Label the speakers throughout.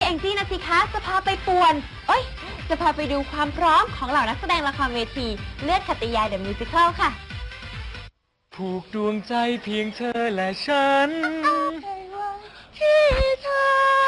Speaker 1: องจี้นะสิคะจะพาไปป่วนจะพาไปดูความพร้อมของเหล่านักแสดงละครเวทีเลือดขัตติยาเดอะมิวสิคัลค่ะ
Speaker 2: ผูกดวงใจเพียงเธอและฉัน
Speaker 1: ที่เธอ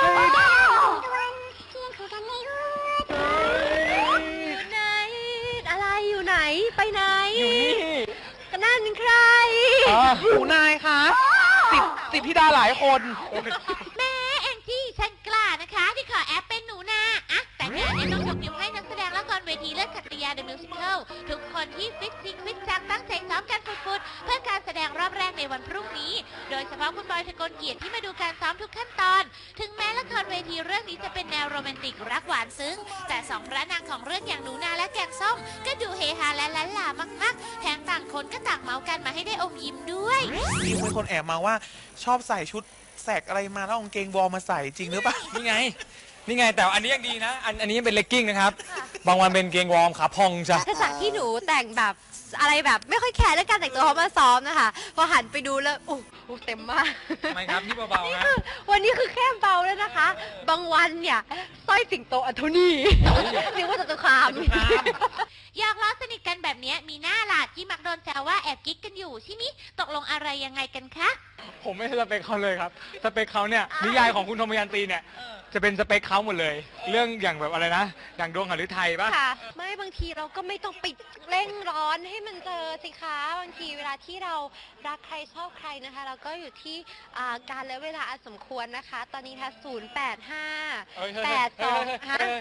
Speaker 1: ไหนอะไรอยู่ไหนไปไหน
Speaker 2: อยู่นี่
Speaker 1: ก็นั่นใคร
Speaker 2: หนูนายคะสิบธิดาหลายคน
Speaker 1: แม่แองจี้ฉันกล้านะคะที่ขอแอปเป็นหนูนาแต่งานนี้ต้องยกนิ้วให้นักแสดงละครเวทีเลือดขัตติยาเดอะมิวสิคัลทุกคนที่ฟิตจริงฟิตจังตั้งใจซ้อมกันฟุดๆเพื่อการแสดงรอบแรกในวันพรุ่งนี้โดยเฉพาะคุณบอยทะกลเกียรติที่มาดูการซ้อมทุกขั้นตอนถึงแม้ละครเวทีเรื่องนี้จะเป็นแนวโรแมนติกรักหวานซึ้งแต่สองพระนางของเรื่องอย่างหนูนาและแกงส้มก็ดูเฮฮาและล้านลามากๆแถมต่างคนก็ต่างเมากันมาให้ได้อมยิ้มด้วย
Speaker 3: มีคนแอบมาว่าชอบใส่ชุดแสกอะไรมาแล้วกางเกงวอร์มมาใส่จริงหรือเปล่า
Speaker 2: นี่ไงแต่อันนี้ยังดีนะอันนี้ยังเป็นเลกกิ้งนะครับบางวันเป็นเกงวอร์มขาพองจ้ะ
Speaker 1: ถ้าจากที่หนูแต่งแบบอะไรแบบไม่ค่อยแคร์เรื่องการแต่งตัวเขามาซ้อมนะคะพอหันไปดูแล้วโอ้เต็มมาก
Speaker 2: ทำไมครับนี่เบาๆนะ
Speaker 1: วันนี้คือแค่เบาแล้วนะคะบางวันเนี่ยสร้อยสิงโตอันโทนี่นึกว่าจะตุคามอยากล้อสนิทกันแบบนี้มีหน้าหลาดที่มักโดนแซวว่าแอบกิ๊กกันอยู่ใช่ไหมตกลงอะไรยังไงกันคะ
Speaker 2: ผมไม่ใช่สเปคเขาเลยครับสเปคเขาเนี่ยนิยายของคุณธมยันตีเนี่ยจะเป็นสเปคเขาหมดเลยเรื่องอย่างแบบอะไรนะอย่างดวงหฤทัยป่ะ
Speaker 1: ค่ะไม่บางทีเราก็ไม่ต้องไปเร่งร้อนให้มันเจอสิคะบางทีเวลาที่เรารักใครชอบใครนะคะเราก็อยู่ที่การและเวลาอันสมควรนะคะตอนนี้ค่ะ085 825